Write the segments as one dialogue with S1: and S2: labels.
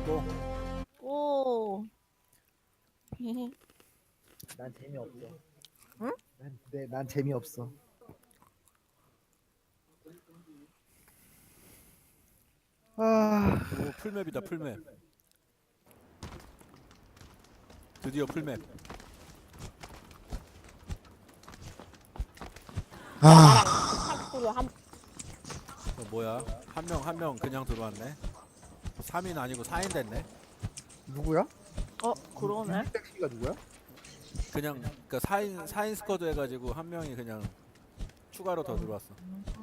S1: 고.
S2: 오.
S3: 난 재미없어.
S2: 응?
S3: 난 재미없어. 아,
S1: 오, 풀맵이다, 풀맵. 드디어 풀맵. 뭐야? 한 명 그냥 들어왔네. 3인 아니고 4인 됐네.
S3: 누구야?
S2: 그러네.
S3: 택시가 누구야?
S1: 그냥 그러니까 4인 스쿼드 해가지고 한 명이 그냥 추가로 더 들어왔어.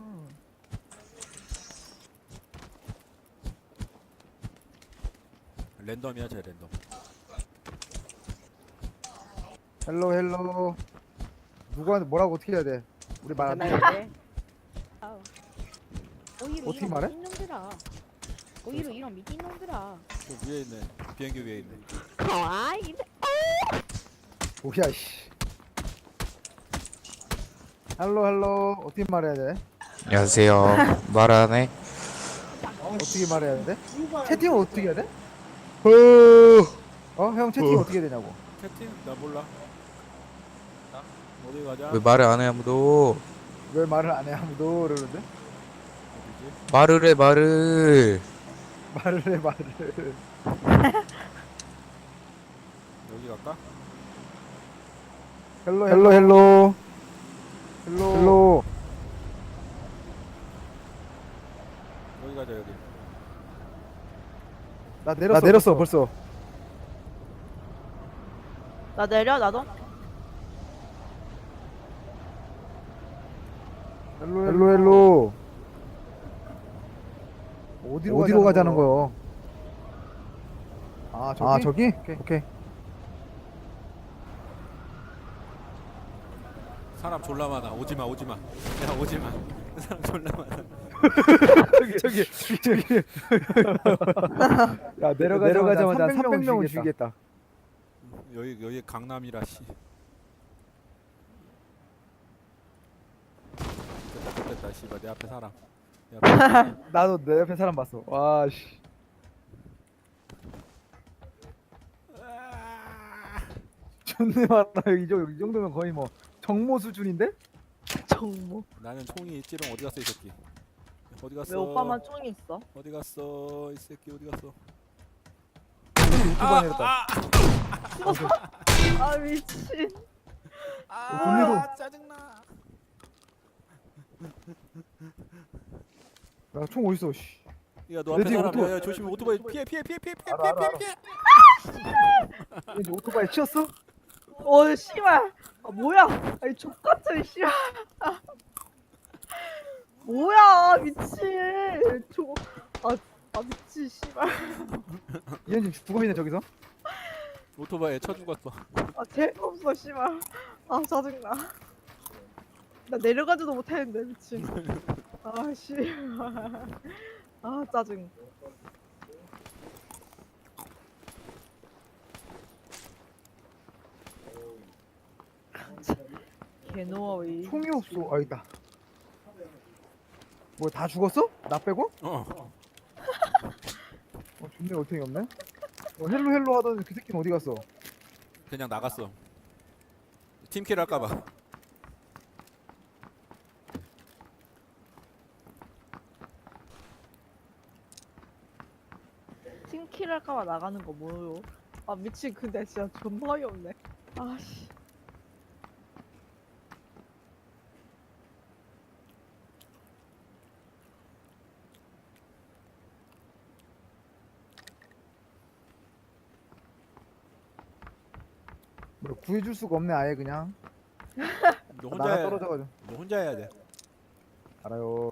S1: 랜덤이야, 쟤 랜덤.
S3: 헬로. 누가 뭐라고 어떻게 해야 돼? 우리 말 안 돼.
S4: 오히려
S3: 어떻게
S4: 이런
S3: 말해?
S4: 미친놈들아. 오히려 이런 미친놈들아.
S1: 저 위에 있네. 비행기 위에 있네.
S4: 아 이래.
S3: 뭐야 씨. 헬로 어떻게 말해야 돼?
S5: 안녕하세요. 말 안 해?
S3: 어떻게 말해야 돼? 채팅은 어떻게 해야 돼? 형 채팅 어떻게 해야 되냐고.
S1: 채팅? 나 몰라. 어디 가자?
S5: 왜 말을 안 해 아무도?
S3: 왜 말을 안 해 아무도 그러는데?
S1: 어디지?
S5: 말을 해 말을.
S3: 말을 해 말을.
S1: 여기 갈까?
S3: 헬로.
S1: 여기 가자, 여기.
S3: 나 내렸어 벌써.
S2: 나 내려 나도.
S3: 헬로. 어디로 가자는 거요? 아 저기? 오케이.
S1: 사람 졸라 많아. 오지마, 오지마. 야, 오지마. 사람 졸라 많아.
S3: 저기. 야 내려가자마자 300명은 죽이겠다.
S1: 여기 강남이라 씨. 됐다, 씨발 내 앞에 사람. 내 앞에 사람.
S3: 나도 내 옆에 사람 봤어. 와 씨. 존내 많아. 이 정도면 거의 뭐 정모 수준인데?
S2: 정모.
S1: 나는 총이 있지롱. 어디 갔어 이 새끼? 어디 갔어?
S2: 왜 오빠만 총이 있어?
S1: 어디 갔어 이 새끼? 어디 갔어?
S3: 오토바이 내렸다.
S2: 아 미친.
S1: 아, 짜증나.
S3: 야 총 어딨어? 씨.
S1: 야, 너
S3: 내
S1: 앞에
S3: 뒤에
S1: 사람.
S3: 오토바이.
S1: 야, 조심해. 오토바이 피해.
S3: 알아. 이제 오토바이 치였어?
S2: 씨발. 아 뭐야? 아이 족같은 씨발. 뭐야 미친. 미친 씨발.
S3: 얘는 지금 죽어 있네 저기서.
S1: 오토바이에 쳐 죽었어.
S2: 재미없어 씨발. 아 짜증나. 나 내려가지도 못했는데 미친. 아 씨발. 아 짜증. 개노어이.
S3: 총이 없어. 아 있다. 뭐 다 죽었어? 나 빼고? 존내 얼탱이 없네. 헬로 하던 그 새끼는 어디 갔어?
S1: 그냥 나갔어. 팀킬 할까봐.
S2: 팀킬 할까봐 나가는 거 뭐요? 아 미친 근데 진짜 존나 어이없네. 아씨.
S3: 뭐 구해줄 수가 없네 아예 그냥.
S1: 너 혼자
S3: 나가
S1: 해.
S3: 떨어져가지고.
S1: 너 혼자 해야 돼.
S3: 알아요.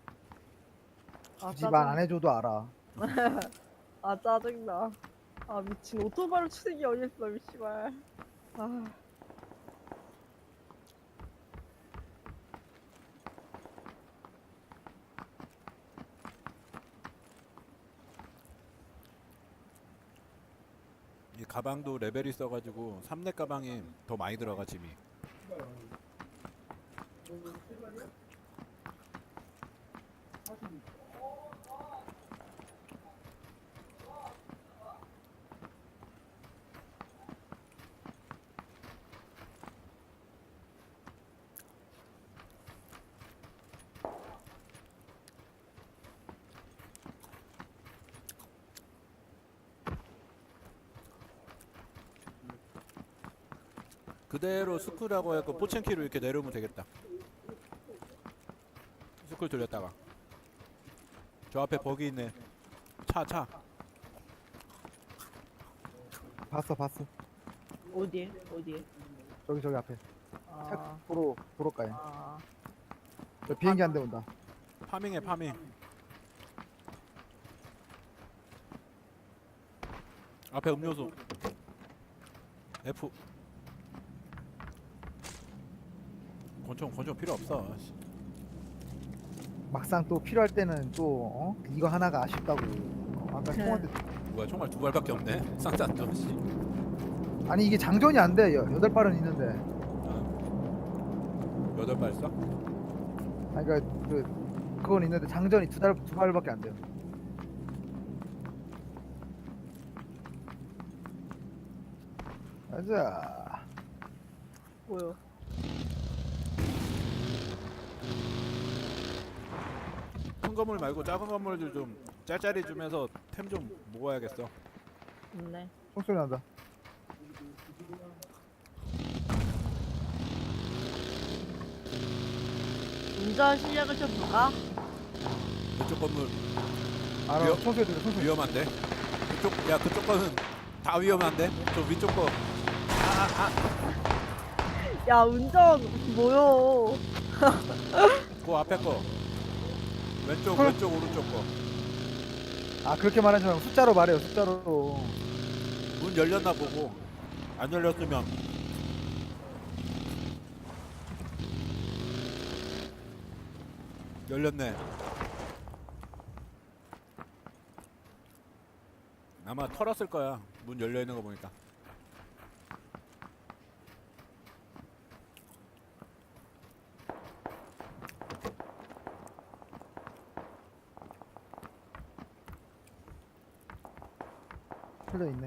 S2: 아
S3: 굳이 말 안
S2: 짜증.
S3: 해줘도 알아.
S2: 아 짜증나. 아 미친 오토바이로 치는 게 어딨어 미씨발. 아.
S1: 이 가방도 레벨이 있어가지고 3렙 가방이 더 많이 들어가 짐이. 그대로 스쿨하고 해서 포첸키로 이렇게 내려오면 되겠다. 스쿨 돌렸다가 저 앞에 버기 있네. 차.
S3: 봤어.
S2: 어디에?
S3: 저기 앞에.
S2: 아,
S3: 도로가에.
S2: 아,
S3: 저 비행기 한 대 온다.
S1: 파밍해 파밍. 앞에 음료수. F. 권총 필요 없어. 씨.
S3: 막상 또 필요할 때는 또 이거 하나가 아쉽다고. 아까 총한테
S1: 뭐야 총알 2발밖에 없네. 쌍쌍도 씨.
S3: 아니 이게 장전이 안 돼. 8발은 있는데.
S1: 아. 8발 써?
S3: 아니 그러니까 그건 있는데 장전이 두 발밖에 안 돼요. 가자.
S2: 뭐요?
S1: 큰 건물 말고 작은 건물들 좀 짤짤이 주면서 템 좀 모아야겠어.
S2: 네.
S3: 총소리 난다.
S2: 운전 실력을 좀 볼까?
S1: 그쪽 건물
S3: 알아.
S1: 위험-
S3: 총소리 들려. 총소리.
S1: 위험한데? 그쪽 거는 다 위험한데? 저 위쪽 거.
S2: 야, 운전 뭐요?
S1: 그 앞에 거. 왼쪽
S3: 헐.
S1: 오른쪽 거.
S3: 아 그렇게 말하지 말고 숫자로 말해요. 숫자로.
S1: 문 열렸나 보고. 안 열렸으면 열렸네. 아마 털었을 거야. 문 열려 있는 거 보니까.
S3: 틀려 있네.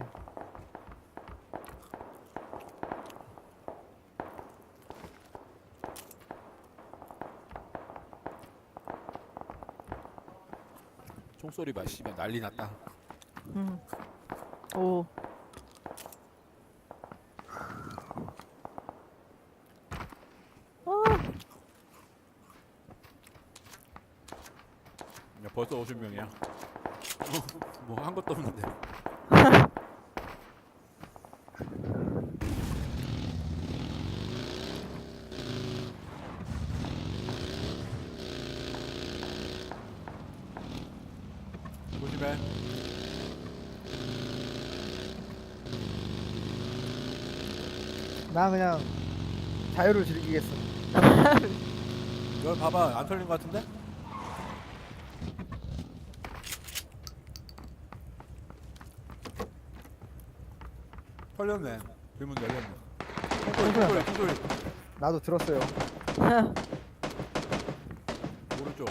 S1: 총소리 봐. 씨발 난리 났다.
S2: 오.
S1: 야, 벌써 50명이야. 뭐 한 것도 없는데. 조심해.
S3: 나 그냥 자유를 즐기겠어.
S1: 여기 봐봐. 안 털린 것 같은데? 털렸네. 뒷문 열렸네. 총소리.
S3: 나도 들었어요.
S1: 오른쪽.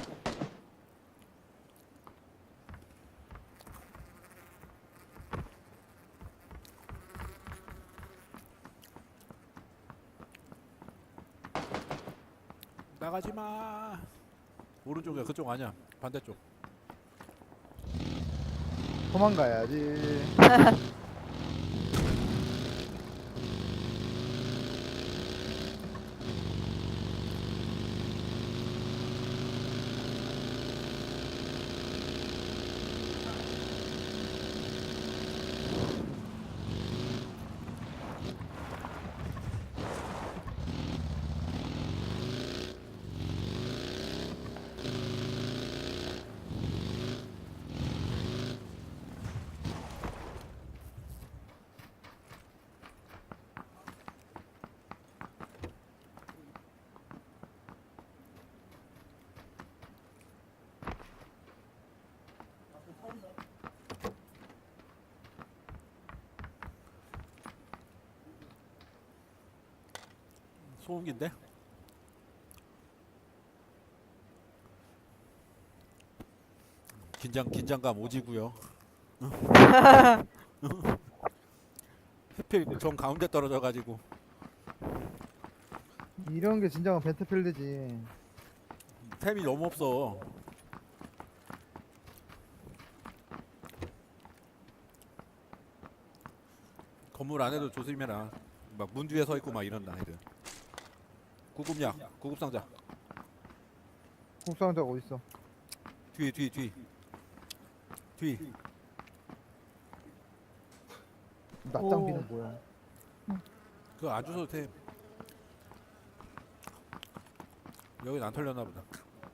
S1: 나가지 마. 오른쪽이야. 그쪽 아니야. 반대쪽.
S3: 도망가야지.
S1: 소음기인데? 긴장감 오지고요. 하필 정 가운데 떨어져가지고.
S3: 이런 게 진정한 배틀필드지.
S1: 템이 너무 없어. 건물 안에도 조심해라. 막 문 뒤에 서 있고 막 이런다 애들. 구급약, 구급상자.
S3: 국상자가 어딨어?
S1: 뒤.
S3: 낮장비는
S2: 오.
S3: 뭐야?
S1: 그거 안 주셔도 돼. 여긴 안 털렸나 보다.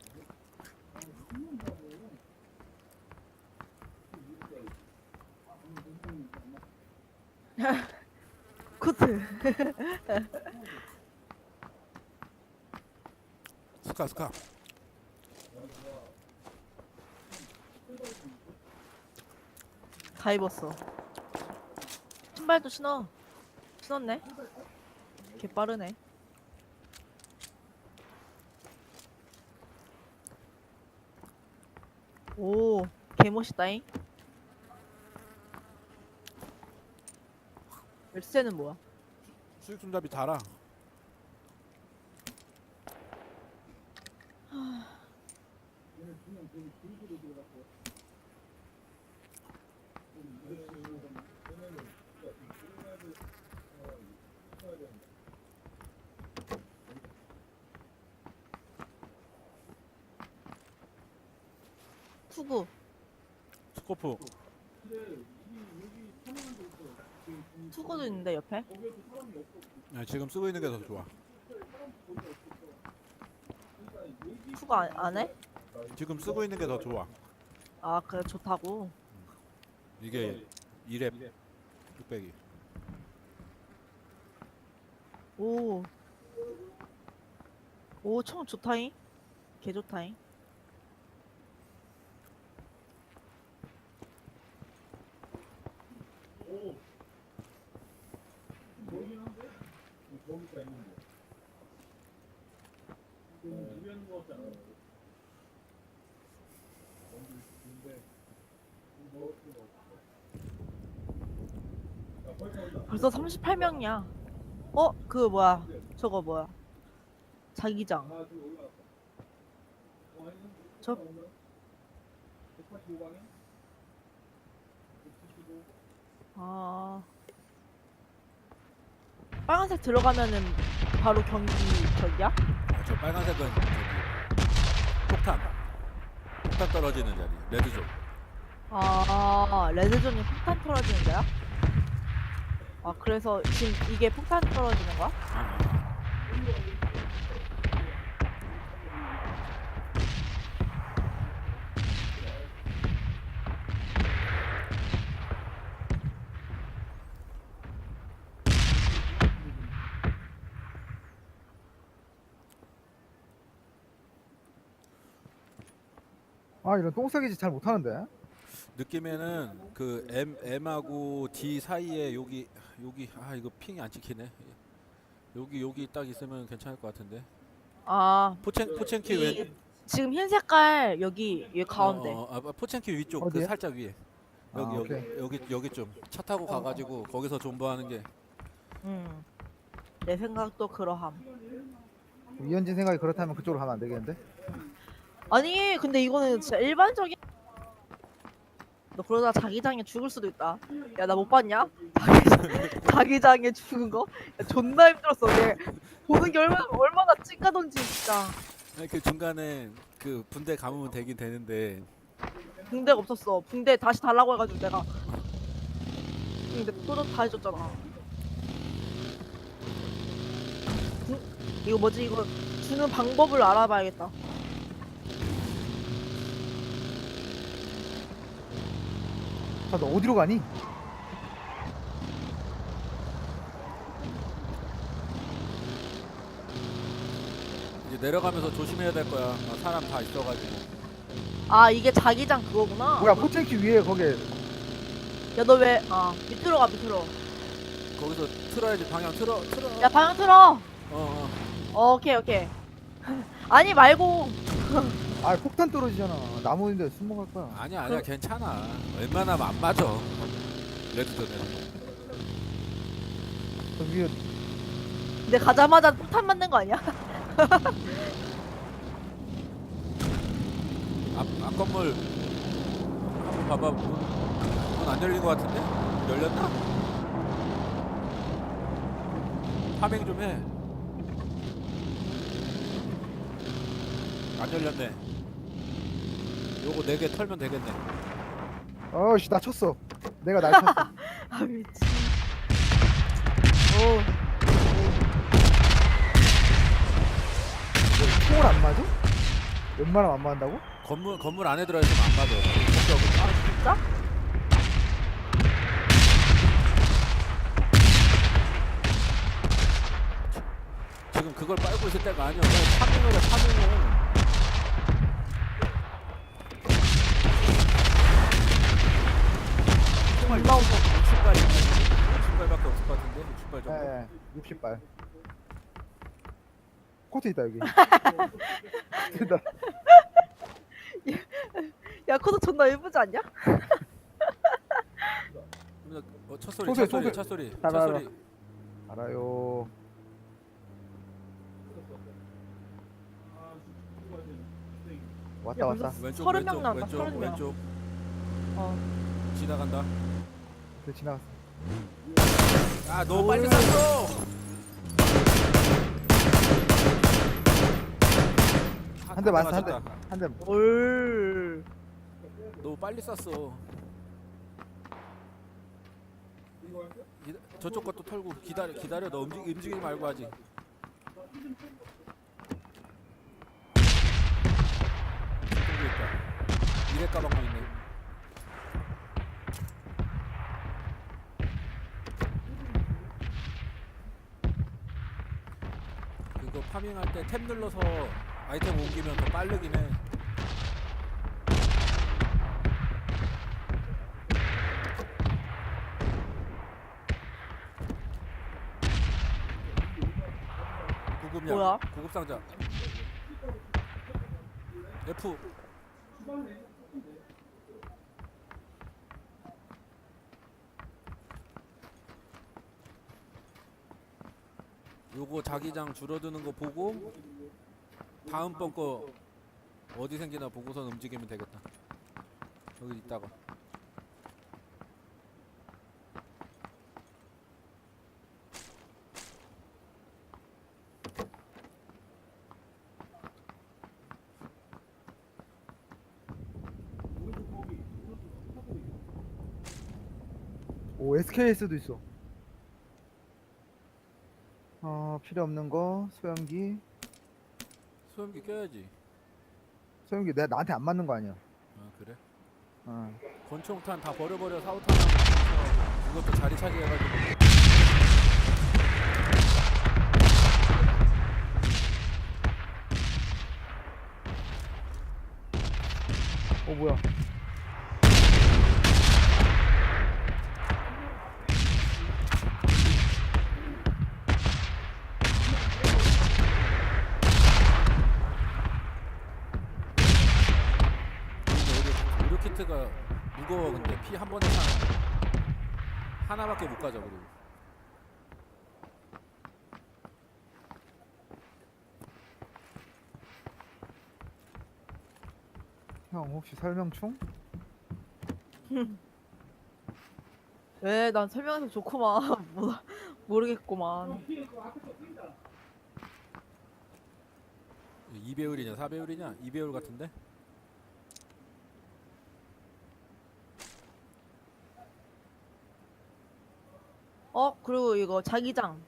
S2: 코트.
S1: 스카.
S2: 다 입었어. 신발도 신었네. 개 빠르네. 오, 개 멋있다잉. 열쇠는 뭐야?
S1: 수익 손잡이 달아.
S2: 투구.
S1: 스코프.
S2: 투구도 있는데 옆에?
S1: 야, 지금 쓰고 있는 게 더 좋아.
S2: 투구 안 해?
S1: 지금 쓰고 있는 게 더 좋아.
S2: 아, 그래 좋다고.
S1: 이게 2랩 600이.
S2: 오. 오, 총 좋다잉. 개 좋다잉. 벌써 38명이야. 그 뭐야? 저거 뭐야? 자기장. 저 아. 빨간색 들어가면은 바로 경기 저기야?
S1: 아, 저 빨간색은 저기 폭탄 떨어지는 자리. 레드존.
S2: 아, 레드존이 폭탄 떨어지는 거야? 아, 그래서 지금 이게 폭탄 떨어지는 거야?
S3: 아 이런 똥싸기지 잘 못하는데.
S1: 느낌에는 그 M하고 D 사이에 여기 이거 핑이 안 찍히네. 여기 딱 있으면 괜찮을 것 같은데.
S2: 아,
S1: 포첸키 왼
S2: 지금 흰 색깔 여기 가운데.
S1: 포첸키 위쪽 그
S3: 어디에?
S1: 살짝 위에.
S3: 아,
S1: 여기 좀 차 타고 가가지고 거기서 존버하는 게.
S2: 내 생각도 그러함.
S3: 이현진 생각이 그렇다면 그쪽으로 가면 안 되겠는데?
S2: 아니, 근데 이거는 진짜 일반적인. 너 그러다 자기장에 죽을 수도 있다. 야, 나 못 봤냐? 자기장에 죽은 거? 야, 존나 힘들었어. 내 보는 게 얼마나 찡가던지 진짜.
S1: 아니, 그 중간에 그 분대 감으면 되긴 되는데.
S2: 붕대가 없었어. 붕대 다시 달라고 해가지고 내가. 근데 또다 해줬잖아. 이거 뭐지? 이거 주는 방법을 알아봐야겠다.
S3: 자, 너 어디로 가니?
S1: 이제 내려가면서 조심해야 될 거야. 사람 다 있어가지고.
S2: 아, 이게 자기장 그거구나.
S3: 뭐야 포첸키 위에 거기.
S2: 야, 너 왜? 밑으로 가, 밑으로.
S1: 거기서 틀어야지. 방향 틀어.
S2: 야, 방향 틀어.
S1: 어.
S2: 오케이. 아니 말고.
S3: 아 폭탄 떨어지잖아. 나무인데 숨어갈 거야.
S1: 아니야 괜찮아. 웬만하면 안 맞아. 레드존에.
S3: 저 위에
S2: 근데 가자마자 폭탄 맞는 거 아니야?
S1: 앞 건물 한번 봐봐. 문 안 열린 것 같은데? 열렸나? 파밍 좀 해. 안 열렸네. 요거 4개 털면 되겠네.
S3: 어씨 나 쳤어. 내가 날 쳤어.
S2: 아 미친. 오.
S3: 총을 안 맞아? 웬만하면 안 맞는다고?
S1: 건물 안에 들어 있으면 안 맞아. 걱정.
S2: 아 진짜?
S1: 지금 그걸 빨고 있을 때가 아니야. 빨리 파밍을 해, 파밍을. 총알
S2: 존나 무서워.
S1: 60발 있네. 60발밖에 없을 것 같은데. 60발 정도.
S3: 예. 60발. 코트 있다 여기. 됐다.
S2: 야 코드 존나 예쁘지 않냐?
S1: 첫 소리,
S3: 소세,
S1: 첫 소리,
S3: 소세.
S1: 첫 소리,
S3: 알아,
S1: 첫
S3: 알아.
S1: 소리.
S3: 알아요. 왔다
S2: 야,
S3: 왔다.
S2: 무슨-
S1: 왼쪽,
S2: 30명
S1: 왼쪽,
S2: 나온다,
S1: 왼쪽,
S2: 30명.
S1: 왼쪽.
S2: 어.
S1: 지나간다.
S3: 그 지나갔어.
S1: 아, 너무 빨리 쐈어.
S3: 한 대 맞았어, 한 대.
S1: 맞았다.
S3: 한 대.
S2: 올.
S1: 너무 빨리 쐈어. 저쪽 것도 털고 기다려. 너 움직이지 말고 하지. 저쪽에 있다. 미래 가방도 있네. 그거 파밍할 때 탭 눌러서 아이템 옮기면 더 빠르긴 해. 구급약,
S2: 뭐야?
S1: 구급상자. F. 요거 자기장 줄어드는 거 보고 다음번 거 어디 생기나 보고선 움직이면 되겠다. 여기 있다가.
S3: 오 SKS도 있어. 필요 없는 거 소형기.
S1: 소염기 껴야지.
S3: 소형기 내가 나한테 안 맞는 거 아니야?
S1: 아 그래?
S3: 어.
S1: 권총탄 다 버려버려. 사우탄 하면 이것도 자리 차지해가지고.
S3: 뭐야?
S1: 의료 키트가 무거워. 근데 피 한 번에 차는 하나밖에 못 가져. 그리고
S3: 형 혹시 설명충?
S2: 왜? 난 설명해서 좋구만. 모르겠구만.
S1: 2배율이냐 4배율이냐? 2배율 같은데?
S2: 그리고 이거 자기장.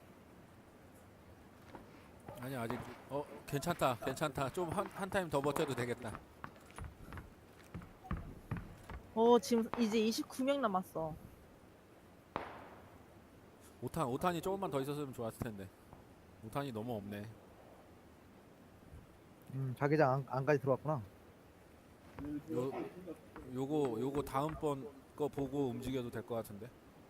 S1: 아니 아직 괜찮다. 좀 한 타임 더 버텨도 되겠다.
S2: 지금 이제 29명 남았어.
S1: 5탄이 조금만 더 있었으면 좋았을 텐데. 5탄이 너무 없네.
S3: 자기장 안까지 들어왔구나.
S1: 요거 다음번 거 보고 움직여도 될 것 같은데.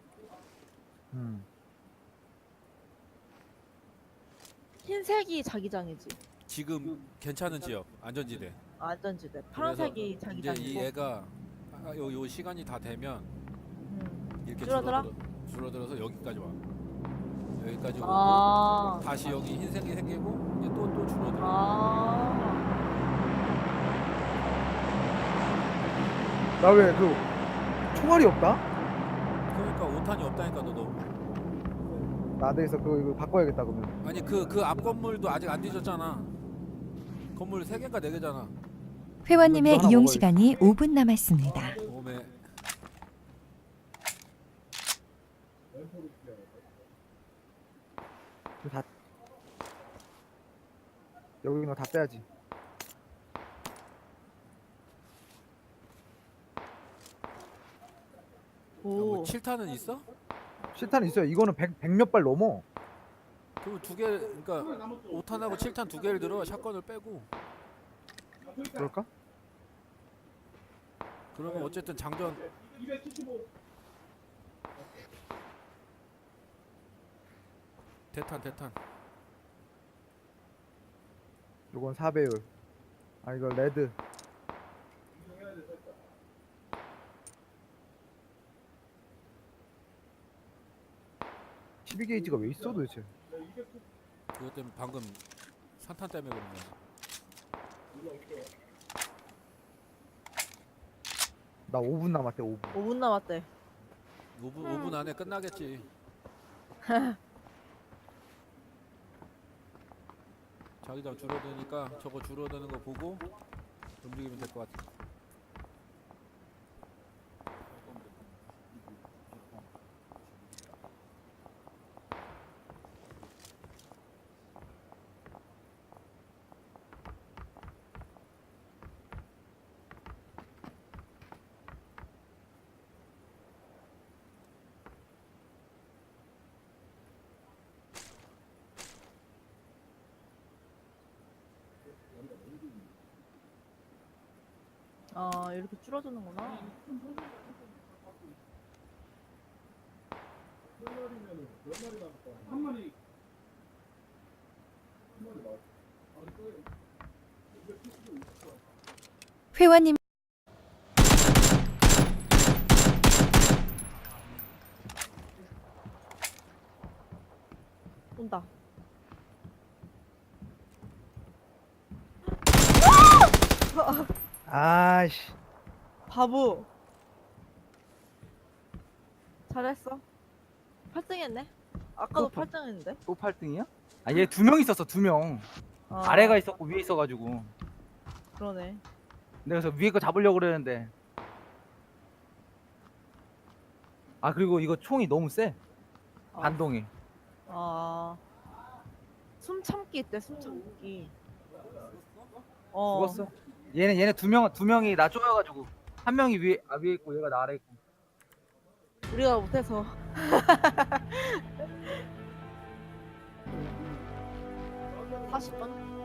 S2: 흰색이 자기장이지.
S1: 지금 괜찮은 지역 안전지대.
S2: 안전지대. 파란색이
S1: 이제
S2: 자기장이고.
S1: 이 애가 요 시간이 다 되면 이렇게
S2: 줄어들어?
S1: 줄어들어서 여기까지 와. 여기까지 오고
S2: 아.
S1: 다시 여기 흰색이 생기고 이제 또 줄어들어.
S2: 아.
S3: 나 왜 총알이 없다?
S1: 그러니까 5탄이 없다니까. 너 너무
S3: 나대에서 그거 이거 바꿔야겠다 그러면.
S1: 아니 그 앞 건물도 아직 안 뒤졌잖아. 건물 3개인가 4개잖아.
S6: 회원님의
S3: 하나
S6: 이용
S3: 먹어야지.
S6: 시간이 5분 남았습니다.
S1: 오메.
S3: 이거 다 여기 있는 거 다 빼야지.
S1: 뭐
S2: 오.
S1: 7탄은 있어?
S3: 실탄 있어요. 이거는 100 몇 발 넘어.
S1: 그럼 2개, 그러니까 5탄하고 7탄 2개를 들어. 샷건을 빼고.
S3: 그럴까?
S1: 그러면 어쨌든 장전. 대탄.
S3: 요건 4배율. 아 이거 레드. (12 게이지가) 왜 있어 도대체?
S1: 그것 때문에 방금 산탄 때문에 그런 거야.
S3: 나 5분 남았대 5분.
S2: 5분 남았대.
S1: 5분 안에 끝나겠지. 자기장 줄어드니까 저거 줄어드는 거 보고 움직이면 될 것 같아.
S2: 아 이렇게 줄어드는구나.
S6: 회원님
S2: 온다.
S3: 아이씨.
S2: 바보. 잘했어. 8등 했네. 아까도
S7: 또
S2: 8등 했는데.
S7: 또 8등이야? 아 얘 2명 있었어 2명.
S2: 아,
S7: 아래가 있었고 위에 있어가지고
S2: 그러네.
S7: 내가 그래서 위에 거 잡으려고 그랬는데 아 그리고 이거 총이 너무 세
S2: 아.
S7: 반동이.
S2: 아. 숨 참기 있대. 숨 참기. 어.
S7: 죽었어. 얘네 두 명이 나 쪼여가지고 한 명이 위에 있고 얘가 나 아래 있고.
S2: 우리가 못해서. 40번?